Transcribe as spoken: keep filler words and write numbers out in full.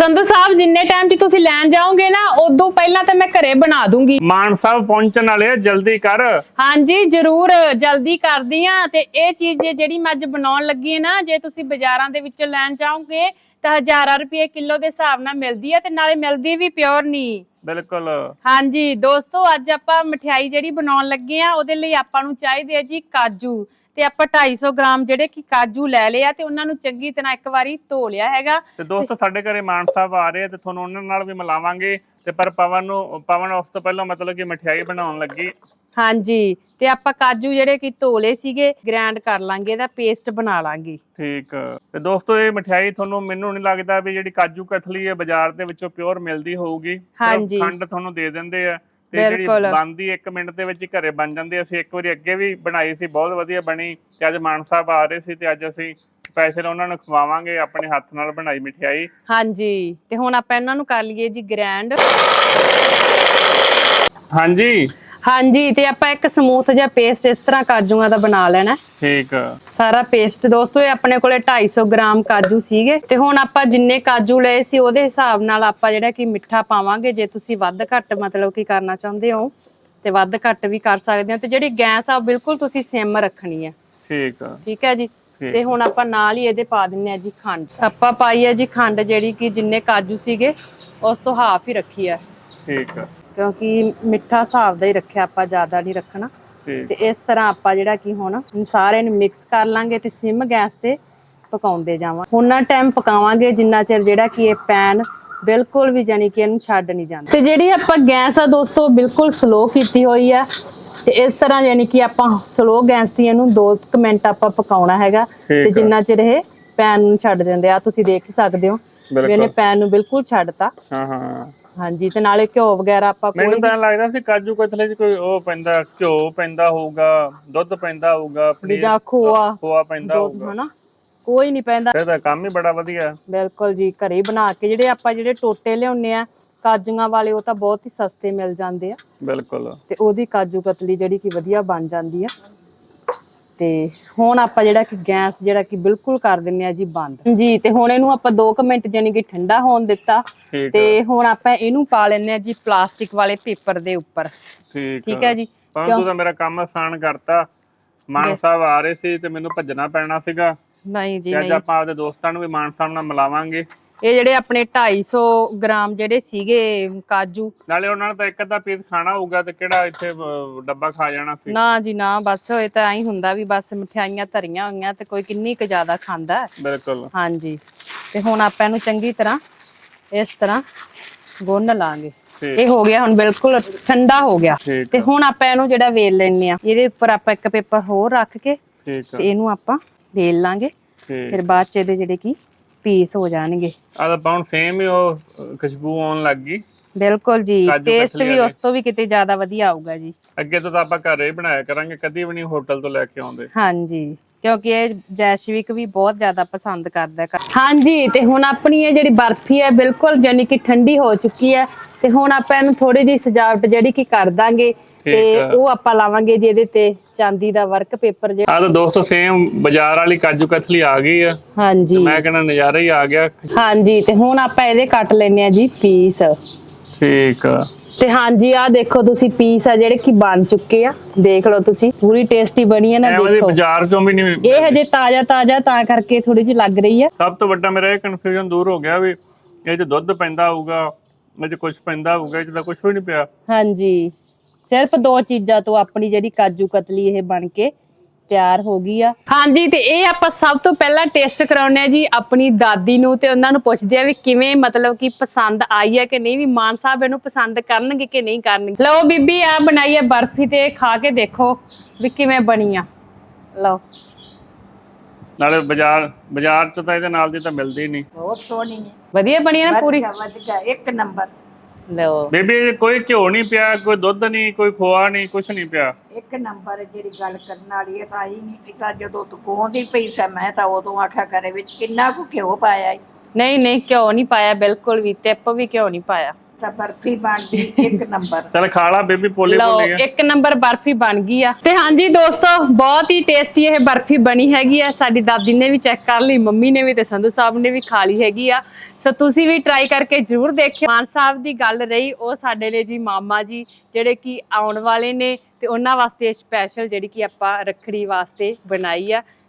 ਸੰਧੂ ਸਾਹਿਬ ਜਿੰਨੇ ਟਾਈਮ 'ਚ ਤੁਸੀਂ ਲੈਣ ਜਾਓਗੇ ਨਾ ਉਦੋਂ ਪਹਿਲਾਂ ਤਾਂ ਮੈਂ ਘਰੇ ਬਣਾ ਦੂੰਗੀ। ਮਾਨ ਸਾਹਿਬ ਪਹੁੰਚਣ ਵਾਲੇ ਆ, ਜਲਦੀ ਕਰ। ਹਾਂਜੀ ਜ਼ਰੂਰ ਜਲਦੀ ਕਰਦੀ ਆ। ਤੇ ਇਹ ਚੀਜ਼ ਜਿਹੜੀ ਮੈਂ ਅੱਜ ਬਣਾਉਣ ਲੱਗੀ ਹੈ ਨਾ, ਜੇ ਤੁਸੀਂ ਬਾਜ਼ਾਰਾਂ ਦੇ ਵਿੱਚੋਂ ਲੈਣ ਚਾਹੋਗੇ ਤਾਂ ਹਜ਼ਾਰਾਂ ਰੁਪਏ ਕਿਲੋ ਦੇ ਹਿਸਾਬ ਨਾਲ ਮਿਲਦੀ ਹੈ ਤੇ ਨਾਲੇ ਮਿਲਦੀ ਵੀ ਪਿਓਰ ਨਹੀਂ। ਬਿਲਕੁਲ। ਹਾਂਜੀ ਦੋਸਤੋ, ਅੱਜ ਆਪਾਂ ਮਠਿਆਈ ਜਿਹੜੀ ਬਣਾਉਣ ਲੱਗੇ ਆ ਉਹਦੇ ਲਈ ਆਪਾਂ ਨੂੰ ਚਾਹੀਦੇ ਆ ਜੀ ਕਾਜੂ। ਤੇ ਆਪਾਂ ਢਾਈ ਸੌ ਗ੍ਰਾਮ ਜਿਹੜੇ ਕਿ ਕਾਜੂ ਲੈ ਲਿਆ ਤੇ ਉਹਨਾਂ ਨੂੰ ਚੰਗੀ ਤਰ੍ਹਾਂ ਇੱਕ ਵਾਰੀ ਧੋ ਲਿਆ ਹੈਗਾ। ਤੇ ਦੋਸਤੋ ਸਾਡੇ ਘਰੇ ਮਾਨ ਸਾਹਿਬ ਆ ਰਹੇ ਆ ਤੇ ਤੁਹਾਨੂੰ ਉਹਨਾਂ ਨਾਲ ਵੀ ਮਿਲਾਵਾਂਗੇ। ਤੇ ਪਰ ਪਵਨ ਨੂੰ ਪਵਨ ਉਸ ਤੋਂ ਪਹਿਲਾਂ ਮਤਲਬ ਕਿ ਮਠਿਆਈ ਬਣਾਉਣ ਲੱਗੀ। ਹਾਂਜੀ ਤੇ ਆਪਾਂ ਕਾਜੂ ਜਿਹੜੇ ਕਿ ਧੋ ਲਏ ਸੀਗੇ ਗ੍ਰਾਈਂਡ ਕਰ ਲਾਂਗੇ, ਇਹਦਾ ਪੇਸਟ ਬਣਾ ਲਾਂਗੇ। ਠੀਕ। ਤੇ ਦੋਸਤੋ ਇਹ ਮਠਿਆਈ ਤੁਹਾਨੂੰ ਮੈਨੂੰ ਨਹੀਂ ਲੱਗਦਾ ਵੀ ਜਿਹੜੀ ਕਾਜੂ ਕਤਲੀ ਹੈ ਬਾਜ਼ਾਰ ਦੇ ਵਿੱਚੋਂ ਪਿਓਰ ਮਿਲਦੀ ਹੋਊਗੀ। ਹਾਂਜੀ ਖੰਡ ਤੁਹਾਨੂੰ ਦੇ ਦਿੰਦੇ ਆ ਤੇ ਜਿਹੜੀ ਬਣਦੀ ਇੱਕ ਮਿੰਟ ਦੇ ਵਿੱਚ ਹੀ ਘਰੇ ਬਣ ਜਾਂਦੀ। ਅਸੀਂ ਇੱਕ ਵਾਰੀ ਅੱਗੇ ਵੀ ਬਣਾਈ ਸੀ, ਬਹੁਤ ਵਧੀਆ ਬਣੀ। ਤੇ ਅੱਜ ਮਾਨ ਸਾਹਿਬ ਆ ਰਹੇ ਸੀ ਤੇ ਅੱਜ ਅਸੀਂ ਸਪੈਸ਼ਲ ਉਹਨਾਂ ਨੂੰ ਖਵਾਵਾਂਗੇ ਆਪਣੇ ਹੱਥ ਨਾਲ ਬਣਾਈ ਮਠਿਆਈ। ਹਾਂਜੀ ਤੇ ਹੁਣ ਆਪਾਂ ਇਹਨਾਂ ਨੂੰ ਕਰ ਲਈਏ ਜੀ ਗ੍ਰਾਈਂਡ। ਹਾਂਜੀ ਹਾਂਜੀ ਤੇ ਆਪਾਂ ਇੱਕ ਸਮੂਥ ਜਿਹਾ ਪੇਸਟ ਇਸ ਤਰ੍ਹਾਂ ਕਾਜੂਆਂ ਦਾ ਬਣਾ ਲੈਣਾ। ਠੀਕ। ਸਾਰਾ ਪੇਸਟ ਦੋਸਤੋ ਇਹ ਆਪਣੇ ਕੋਲੇ ਢਾਈ ਸੌ ਗ੍ਰਾਮ ਕਾਜੂ ਸੀਗੇ ਤੇ ਹੁਣ ਆਪਾਂ ਜਿੰਨੇ ਕਾਜੂ ਲਏ ਸੀ ਉਹਦੇ ਹਿਸਾਬ ਨਾਲ ਆਪਾਂ ਜਿਹੜਾ ਕਿ ਮਿੱਠਾ ਪਾਵਾਂਗੇ। ਜੇ ਤੁਸੀਂ ਵੱਧ ਘੱਟ ਮਤਲਬ ਕੀ ਕਰਨਾ ਚਾਹੁੰਦੇ ਹੋ ਤੇ ਵੱਧ ਘੱਟ ਵੀ ਕਰ ਸਕਦੇ ਹੋ। ਤੇ ਜਿਹੜੀ ਗੈਸ ਆ ਬਿਲਕੁਲ ਤੁਸੀਂ ਸਿਮ ਰੱਖਣੀ ਹੈ। ਠੀਕ ਠੀਕ ਹੈ ਜੀ। ਤੇ ਹੁਣ ਆਪਾਂ ਨਾਲ ਹੀ ਇਹਦੇ ਪਾ ਦਿੰਨੇ ਆ ਜੀ ਖੰਡ। ਆਪਾਂ ਪਾਈ ਹੈ ਜੀ ਖੰਡ ਜਿਹੜੀ ਕਿ ਜਿੰਨੇ ਕਾਜੂ ਸੀਗੇ ਉਸ ਤੋਂ ਹਾਫ ਹੀ ਰੱਖੀ ਆ। ਠੀਕ ਆ। ਕਿਉਂਕਿ ਮਿੱਠਾ ਹਿਸਾਬ ਦਾ ਹੀ ਰੱਖਿਆ ਆਪਾਂ, ਜ਼ਿਆਦਾ ਨਹੀਂ ਰੱਖਣਾ। ਤੇ ਇਸ ਤਰ੍ਹਾਂ ਆਪਾਂ ਜਿਹੜਾ ਕਿ ਹੁਣ ਸਾਰੇ ਨੂੰ ਮਿਕਸ ਕਰ ਲਾਂਗੇ ਤੇ ਸਿਮ ਗੈਸ ਤੇ ਪਕਾਉਂਦੇ ਜਾਵਾਂ। ਉਹਨਾਂ ਟਾਈਮ ਪਕਾਵਾਂਗੇ ਜਿੰਨਾ ਚਿਰ ਜਿਹੜਾ ਕਿ ਇਹ ਪੈਨ ਬਿਲਕੁਲ ਵੀ ਜਾਨੀ ਕਿ ਇਹਨੂੰ ਛੱਡ ਨਹੀਂ ਜਾਂਦਾ। ਤੇ ਜਿਹੜੀ ਆਪਾਂ ਗੈਸ ਆ ਦੋਸਤੋ ਬਿਲਕੁਲ ਸਲੋ ਕੀਤੀ ਹੋਈ ਆ ਤੇ ਇਸ ਤਰ੍ਹਾਂ ਯਾਨੀ ਕਿ ਆਪਾਂ ਸਲੋ ਗੈਸ ਤੇ ਇਹਨੂੰ ਦੋ ਮਿੰਟ ਆਪਾਂ ਪਕਾਉਣਾ ਹੈਗਾ। ਤੇ ਜਿੰਨਾ ਚਿਰ ਇਹ ਪੈਨ ਨੂੰ ਛੱਡ ਦਿੰਦੇ ਆ, ਤੁਸੀਂ ਦੇਖ ਹੀ ਸਕਦੇ ਹੋ ਵੀ ਇਹਨੇ ਪੈਨ ਨੂੰ ਬਿਲਕੁਲ ਛੱਡਤਾ। ਹਾਂ ਹਾਂ ਹਾਂਜੀ ਤੇ ਨਾਲੇ ਘਿਓ ਵਗੈਰਾ ਆਪਾਂ ਕੋਈ ਮੈਨੂੰ ਤਾਂ ਲੱਗਦਾ ਸੀ ਕਾਜੂ ਕਤਲੇ ਚ ਕੋਈ ਉਹ ਪੈਂਦਾ, ਘਿਓ ਪੈਂਦਾ ਹੋਊਗਾ, ਦੁੱਧ ਪੈਂਦਾ ਹੋਊਗਾ, ਪਨੀਰ ਖੋਆ ਖੋਆ ਪੈਂਦਾ ਹੋਊਗਾ, ਹਨਾ ਕੋਈ ਨਹੀਂ ਪੈਂਦਾ। ਇਹਦਾ ਕੰਮ ਹੀ ਬੜਾ ਵਧੀਆ। ਬਿਲਕੁਲ ਜੀ, ਘਰੇ ਬਣਾ ਕੇ ਜਿਹੜੇ ਆਪਾਂ ਜਿਹੜੇ ਟੋਟੇ ਲਿਆਉਣੇ ਆ ਕਾਜੂਆਂ ਵਾਲੇ ਉਹ ਤਾਂ ਬਹੁਤ ਹੀ ਸਸਤੇ ਮਿਲ ਜਾਂਦੇ ਆ। ਬਿਲਕੁਲ। ਤੇ ਉਹਦੀ ਕਾਜੂ ਕਤਲੀ ਜਿਹੜੀ ਕਿ ਵਧੀਆ ਬਣ ਜਾਂਦੀ ਆ। ਤੇ ਹੁਣ ਆਪਾਂ ਜਿਹੜਾ ਕਿ ਗੈਸ ਜਿਹੜਾ ਕਿ ਬਿਲਕੁਲ ਕਰ ਦਿੰਨੇ ਆ ਜੀ ਬੰਦ ਜੀ। ਤੇ ਹੁਣ ਇਹਨੂੰ ਆਪਾਂ ਦੋ ਕੁ ਮਿੰਟ ਯਾਨੀ ਕਿ ਠੰਡਾ ਹੋਣ ਦਿੱਤਾ। ਤੇ ਹੁਣ ਆਪਾਂ ਇਹਨੂੰ ਪਾ ਲੈਣੇ ਆ ਜੀ ਪਲਾਸਟਿਕ ਵਾਲੇ ਪੇਪਰ ਦੇ ਉੱਪਰ। ਠੀਕ ਠੀਕ ਹੈ ਜੀ। ਤੂੰ ਤਾਂ ਮੇਰਾ ਕੰਮ ਆਸਾਨ ਕਰਤਾ। ਮਾਨ ਸਾਹਿਬ ਆ ਰਹੇ ਸੀ ਤੇ ਮੈਨੂੰ ਭੱਜਣਾ ਪੈਣਾ ਸੀਗਾ। ਨਹੀਂ ਜੀ ਨਹੀਂ, ਅੱਜ ਆਪਾਂ ਆਪਦੇ ਦੋਸਤਾਂ ਨੂੰ ਵੀ ਮਾਨ ਸਾਹਿਬ ਨਾਲ ਮਿਲਾਵਾਂਗੇ। ਇਹ ਜਿਹੜੇ ਆਪਣੇ ਢਾਈ ਸੌ ਗ੍ਰਾਮ ਜਿਹੜੇ ਸੀਗੇ ਕਾਜੂ, ਨਾਲੇ ਉਹਨਾਂ ਨੇ ਤਾਂ ਇੱਕ ਅੱਧਾ ਪੀਸ ਖਾਣਾ ਹੋਊਗਾ ਤੇ ਕਿਹੜਾ ਇੱਥੇ ਡੱਬਾ ਖਾ ਜਾਣਾ ਸੀ। ਨਾ ਜੀ ਨਾ, ਬਸ ਇਹ ਤਾਂ ਐਂ ਹੁੰਦਾ ਵੀ ਬਸ ਮਠਿਆਈਆਂ ਧਰੀਆਂ ਹੋਈਆਂ ਤੇ ਕੋਈ ਕਿੰਨੀ ਕੁ ਜ਼ਿਆਦਾ ਖਾਂਦਾ। ਬਿਲਕੁਲ। ਹਾਂਜੀ ਤੇ ਹੁਣ ਆਪਾਂ ਇਹਨੂੰ ਚੰਗੀ ਤਰ੍ਹਾਂ ਇਸ ਤਰ੍ਹਾਂ ਗੁੰਨ ਲਾਂਗੇ। ਇਹ ਹੋ ਗਿਆ ਹੁਣ ਬਿਲਕੁਲ ਠੰਡਾ ਹੋ ਗਿਆ। ਤੇ ਹੁਣ ਆਪਾਂ ਇਹਨੂੰ ਜਿਹੜਾ ਵੇਲ ਲੈਣੇ ਆ, ਇਹਦੇ ਉੱਪਰ ਆਪਾਂ ਇੱਕ ਪੇਪਰ ਹੋਰ ਰੱਖ ਕੇ ਤੇ ਇਹਨੂੰ ਆਪਾਂ ਵੇਲ ਲਾਂਗੇ। ਫਿਰ ਬਾਅਦ ਚ ਇਹਦੇ ਜਿਹੜੇ ਕੀ ਪੀਸ ਹੋ ਜਾਣਗੇ। ਆ ਤਾਂ ਪਾਉਣ ਸੇਮ ਹੀ ਉਹ ਖੁਸ਼ਬੂ ਆਉਣ ਲੱਗ ਗਈ। ਬਿਲਕੁਲ ਜੀ, ਟੇਸਟ ਵੀ ਉਸ ਤੋਂ ਵੀ ਕਿਤੇ ਜ਼ਿਆਦਾ ਵਧੀਆ ਆਊਗਾ ਜੀ। ਅੱਗੇ ਤੋਂ ਤਾਂ ਆਪਾਂ ਘਰੇ ਹੀ ਬਣਾਇਆ ਕਰਾਂਗੇ, ਕਦੀ ਵੀ ਨਹੀਂ ਹੋਟਲ ਤੋਂ ਲੈ ਕੇ ਆਉਂਦੇ। ਹਾਂਜੀ ਕਿਉਂਕਿ ਇਹ ਜੈਸ਼ਵਿਕ ਵੀ ਬਹੁਤ ਜ਼ਿਆਦਾ ਪਸੰਦ ਕਰਦਾ। ਹਾਂਜੀ ਤੇ ਹੁਣ ਆਪਣੀ ਇਹ ਜਿਹੜੀ ਬਰਫੀ ਹੈ ਬਿਲਕੁਲ ਯਾਨੀ ਕਿ ਠੰਡੀ ਹੋ ਚੁੱਕੀ ਹੈ। ਤੇ ਹੁਣ ਆਪਾਂ ਇਹਨੂੰ ਥੋੜੀ ਜਿਹੀ ਸਜਾਵਟ ਜਿਹੜੀ ਕਿ ਕਰ ਦਾਂਗੇ ਤੇ ਉਹ ਆਪਾਂ ਲਾਵਾਂਗੇ ਜੀ ਇਹਦੇ ਤੇ ਚਾਂਦੀ ਦਾ ਵਰਕ ਪੇਪਰ। ਆ ਤਾਂ ਦੋਸਤੋ ਸੇਮ ਬਾਜ਼ਾਰ ਵਾਲੀ ਕਾਜੂ ਕਤਲੀ ਆ ਗਈ ਆ। ਹਾਂਜੀ ਮੈਂ ਕਹਿੰਦਾ ਨਜ਼ਾਰਾ ਹੀ ਆ ਗਿਆ। ਹਾਂਜੀ ਤੇ ਹੁਣ ਆਪਾਂ ਇਹਦੇ ਕੱਟ ਲੈਣੇ ਆ ਜੀ ਪੀਸ। ਠੀਕ ਆ। ਤੇ ਹਾਂਜੀ ਆ ਦੇਖੋ ਤੁਸੀਂ ਪੀਸ ਆ ਜਿਹੜੇ ਕਿ ਬਣ ਚੁੱਕੇ ਆ, ਦੇਖ ਲਓ ਤੁਸੀਂ, ਪੂਰੀ ਟੇਸਟੀ ਬਣੀ ਹੈ ਨਾ। ਦੇਖੋ ਬਾਜ਼ਾਰ ਚੋਂ ਵੀ ਨਹੀਂ, ਇਹ ਹਜੇ ਤਾਜ਼ਾ ਤਾਜ਼ਾ ਤਾਂ ਕਰਕੇ ਥੋੜੀ ਜਿਹੀ ਲੱਗ ਰਹੀ ਹੈ। ਸਭ ਤੋਂ ਵੱਡਾ ਮੇਰਾ ਇਹ ਕਨਫਿਊਜ਼ਨ ਦੂਰ ਹੋ ਗਿਆ ਵੀ ਇਹ ਚ ਦੁੱਧ ਪੈਂਦਾ ਹੋਊਗਾ, ਇਹ ਚ ਕੁਝ ਪੈਂਦਾ ਹੋਊਗਾ, ਇਹ ਚ ਤਾਂ ਕੁਝ ਵੀ ਨਹੀਂ ਪਿਆ। ਹਾਂਜੀ ਸਿਰਫ ਦੋ ਚੀਜ਼ਾਂ ਤੋਂ ਆਪਣੀ ਜਿਹੜੀ ਕਾਜੂ ਕਤਲੀ ਇਹ ਬਣ ਕੇ ਤਿਆਰ ਹੋ ਗਈ ਆ। ਹਾਂਜੀ ਤੇ ਇਹ ਆਪਾਂ ਸਭ ਤੋਂ ਪਹਿਲਾਂ ਟੇਸਟ ਕਰਾਉਣੇ ਆ ਜੀ ਆਪਣੀ ਦਾਦੀ ਨੂੰ ਤੇ ਉਹਨਾਂ ਨੂੰ ਪੁੱਛਦੇ ਆ ਵੀ ਕਿਵੇਂ ਮਤਲਬ ਕਿ ਪਸੰਦ ਆਈ ਹੈ ਕਿ ਨਹੀਂ, ਵੀ ਮਾਨ ਸਾਹਿਬ ਇਹਨੂੰ ਪਸੰਦ ਕਰਨਗੇ ਕਿ ਨਹੀਂ ਕਰਨਗੇ। ਲਓ ਬੀਬੀ ਆ ਬਣਾਈ ਹੈ ਬਰਫੀ ਤੇ ਖਾ ਕੇ ਦੇਖੋ ਵੀ ਕਿਵੇਂ ਬਣੀ ਆ। ਲਓ ਨਾਲੇ ਬਾਜ਼ਾਰ ਬਾਜ਼ਾਰ ਚ ਤਾਂ ਇਹਦੇ ਨਾਲ ਦੀ ਤਾਂ ਮਿਲਦੀ ਨਹੀਂ। ਬਹੁਤ ਸੋਹਣੀ ਹੈ, ਵਧੀਆ ਬਣੀ ਹੈ ਨਾ ਪੂਰੀ, ਵਧੀਆ ਇੱਕ ਨੰਬਰ। ਲਓ ਬੀਬੀ ਕੋਈ ਘਿਓ ਨਹੀਂ ਪਿਆ, ਕੋਈ ਦੁੱਧ ਨਹੀਂ, ਕੋਈ ਖੋਆ ਨਹੀਂ, ਕੁਛ ਨਹੀਂ ਪਿਆ। ਇੱਕ ਨੰਬਰ ਜਿਹੜੀ ਗੱਲ ਕਰਨ ਵਾਲੀ ਹੈ ਤਾਂ ਹੀ ਨਹੀਂ ਪੀਤਾ। ਜਦੋਂ ਤੂੰ ਕੋਹਦੀ ਪਈ ਸੀ ਮੈਂ ਤਾਂ ਉਦੋਂ ਆਖਿਆ ਕਰੇ ਵਿੱਚ ਕਿੰਨਾ ਕੁ ਘਿਓ ਪਾਇਆ। ਨਹੀਂ ਨਹੀਂ ਘਿਓ ਨਹੀਂ ਪਾਇਆ ਬਿਲਕੁਲ ਵੀ, ਟਿੱਪ ਵੀ ਘਿਓ ਨਹੀਂ ਪਾਇਆ। ਤਾਂ ਬਰਫੀ ਬਣ ਗਈ ਇੱਕ ਨੰਬਰ। ਚਲ ਖਾ ਲਾ ਬੇਬੀ, ਪੋਲੇ ਲਓ ਪੋਲੇ ਇੱਕ ਨੰਬਰ ਬਰਫੀ ਬਣ ਗਈ ਆ। ਤੇ ਹਾਂਜੀ ਦੋਸਤੋ, ਬਹੁਤ ਹੀ ਟੇਸਟੀ ਇਹ ਬਰਫੀ ਬਣੀ ਹੈਗੀ ਆ। ਸਾਡੀ ਦਾਦੀ ਨੇ ਵੀ ਚੈੱਕ ਕਰ ਲਈ, ਮੰਮੀ ਨੇ ਵੀ, ਤੇ ਸੰਧੂ ਸਾਹਿਬ ਨੇ ਵੀ ਖਾ ਲਈ ਹੈਗੀ ਆ। ਸੋ ਤੁਸੀਂ ਵੀ ਟਰਾਈ ਕਰਕੇ ਜ਼ਰੂਰ ਦੇਖਿਓ। ਮਾਨ ਸਾਹਿਬ ਦੀ ਗੱਲ ਰਹੀ, ਉਹ ਸਾਡੇ ਨੇ ਜੀ ਮਾਮਾ ਜੀ ਜਿਹੜੇ ਕਿ ਆਉਣ ਵਾਲੇ ਨੇ, ਤੇ ਉਹਨਾਂ ਵਾਸਤੇ ਸਪੈਸ਼ਲ ਜਿਹੜੀ ਕਿ ਆਪਾਂ ਰੱਖੜੀ ਵਾਸਤੇ ਬਣਾਈ ਆ।